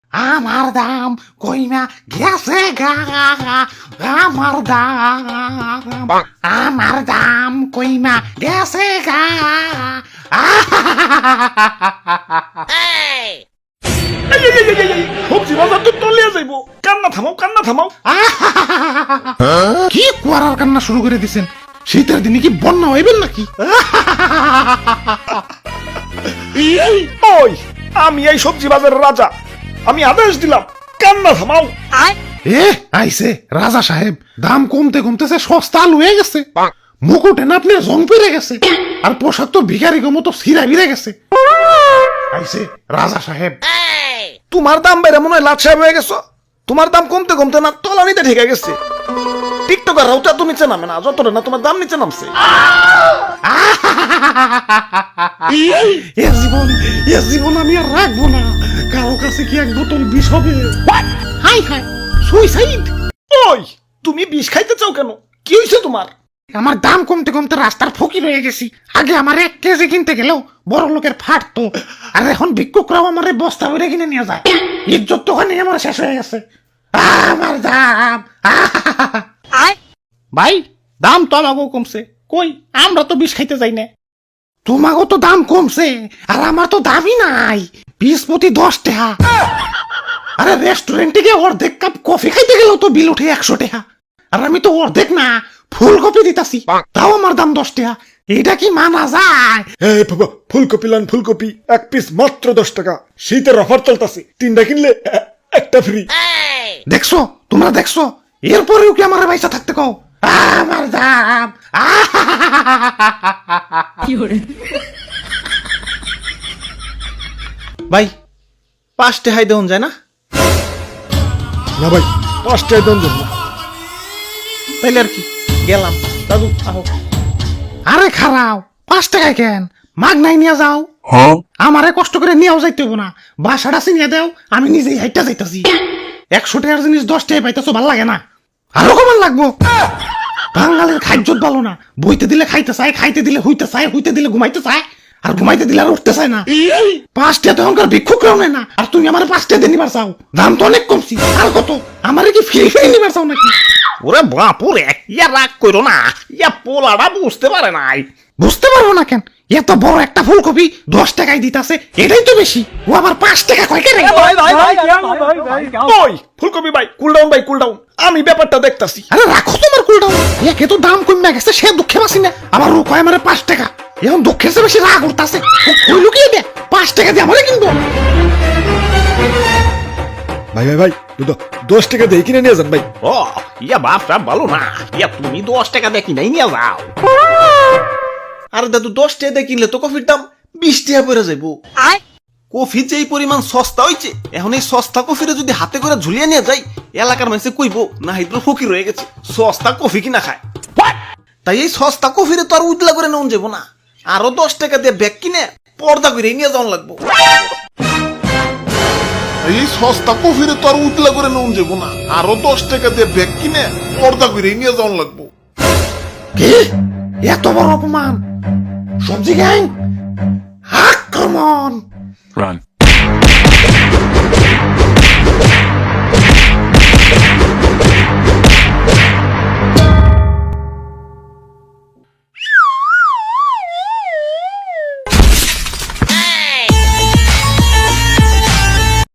আমার দাম কইমা গেছে গা, আমার দাম কইমা গেছে গা। সবজি বাজার তো তলিয়ে যাইব। কান্না থামাও। কি কুয়ারার কান্না শুরু করে দিছেন? শীতের দিনে কি বন্যা হইবেন নাকি? ওই আমি এই সবজি বাজারের রাজা, আমি আদেশ দিলাম কান্না থামাও। এ আইছে রাজা সাহেব, দাম কমতে কমতেছে সস্তা লুয়ে গেছে। মুকুটে না আপনি জং পেরে গেছে, আর পোশাক তো ভিখারি মতো ছিঁড়া বিরে গেছে। আইছে রাজা সাহেব। তোমার দাম বেড়ে মনে হয় লাট সাহেব হয়ে গেছো। তোমার দাম কমতে কমতে না তলানিতে ঠেকে গেছে। টিকটকার রাউটা তো নিচে নামে না, যতটা না তোমার দাম নিচে নামছে। এ জীবন আমি আর রাখবো না। কারো কাছে কি এক বোতল বিষ হবে? হাই হাই, সুইসাইড। ওই তুমি বিষ খাইতে চাও কেন? কি হয়েছে তোমার? আমার দাম কমতে কমতে রাস্তার ফকির হয়ে গেছি। আগে আমার 1 কেজি কিনতে গেলেও বড় লোকের ফাটতো, আর এখন ভিক্ষুকরাও আমার বস্তা ভরে কিনে নিয়ে যায়। ইজ্জত তো ওখানে আমার শেষ হয়ে গেছে। আমার দাম ভাই, দাম তো আমাকেও কমছে। কই, আমরা তো বিষ খাইতে যাই না। তোমাকেও তো দাম কমছে, আর আমার তো দামই নাই। 20 প্রতি 10 টাকা। আরে রেস্টুরেন্টে গিয়ে অর্ধেক কাপ কফি খাইতে গেলেও তো বিল উঠে 100 টাকা, আর আমি তো অর্ধেক না ফুলকপি দিতাছি, তাও আমার দাম 10 টাকা। এটা কি মানা যায়? এই বাবা, ফুলকপি লান, ফুলকপি 1 পিস মাত্র 10 টাকা। শীতের অফার চলতেছে, 3টা কিনলে একটা ফ্রি। দেখছো, তোমরা দেখছো? এরপরেও কি আমার পয়সা থাকতে কও? আমার দাম। ভাই 5 টাকায় দেন যায় না? না ভাই, 5 টাকা দেন না। তাইলে আর কি, গেলাম। দাদু আহো। আরে খারাও, 5 টাকায় কেন? মাগ নাই নিয়ে যাও। আমারে কষ্ট করে নিয়েও যাইতে হবো না। বাসাটা চিনিয়ে দাও, আমি নিজেই হাইটা যাইতাছি। 100 টাকার জিনিস 10 টাকায় পাইতেছো, ভাল লাগে না? আরো কমান লাগবো। বাঙালির খাদ্যত ভালো না। বইতে দিলে খাইতে চায়, খাইতে দিলে হইতে চায়, হইতে দিলে ঘুমাইতে চায়, আর ঘুমাইতে দিলে আর উঠতে চায় না। 5 টাকা তো এখনকার ভিক্ষুকরাও নেয় না, আর তুমি আমার 5 টাকা দিয়ে নিবার চাও? দাম তো অনেক কমছি। আর কত? আমারে কি ফ্রি ফ্রি নিবার চাও নাকি? ওরে বাপুরে, ইয়া রাগ করো না, ইয়া পোলাটা বুঝতে পারে নাই। বুঝতে পারবো না কেন? এত বড় একটা ফুলকপি 10 টাকায় দিতাছে, এটাই তো বেশি। ও আবার 5 টাকা কয় কেন? ওই ফুলকপি ভাই, কুল ডাউন, আমি ব্যাপারটা দেখতাছি। আরে রাখো তোমার কুলটাও। একে তো দাম কমে গেছে, সে দুঃখে বাসি না। আবার ও কয় আমারে 5 টাকা। এখন দুঃখের চেয়ে বেশি রাগ উঠতাছে। কই লুকিয়ে দে, 5 টাকা দিয়ে আমারে কিনবো। ভাই 10 টাকা দিয়ে কিনে নিয়ে যান ভাই। ও ইয়া বাপটা ভালো না, ইয়া তুমি 10 টাকা দিয়ে কিনাই নিয়ে যাও। আরে দাদু 10 টাকা দিয়ে কিনলে তো কফির দাম 20 টাকা পড়ে যাইবো। কফি যে এই পরিমাণ সস্তা হইছে, এখন এই সস্তা কফিরে যদি হাতে করে ঝুলিয়ে নিয়ে যাই, এলাকার মানুষে কইবো না হাইদ্র ফকির হয়ে গেছে, সস্তা কফি কিনা খায়। তাই এই সস্তা কফিরে তো আর উদলা করে নেওয়া যাবো না। আরো 10 টাকা দিয়ে ব্যাগ কিনে পর্দা করে নিয়ে যাওয়া লাগবো। এই সস্তা কফিরে তো আর উতলা করে নেওয়া যাবো না। আরো 10 টাকা দিয়ে ব্যাগ কিনে পর্দা করে নিয়ে যাওয়া লাগবো। কি? এত বড় অপমান! সবজি গ্যাং, আক্রমণ! Run.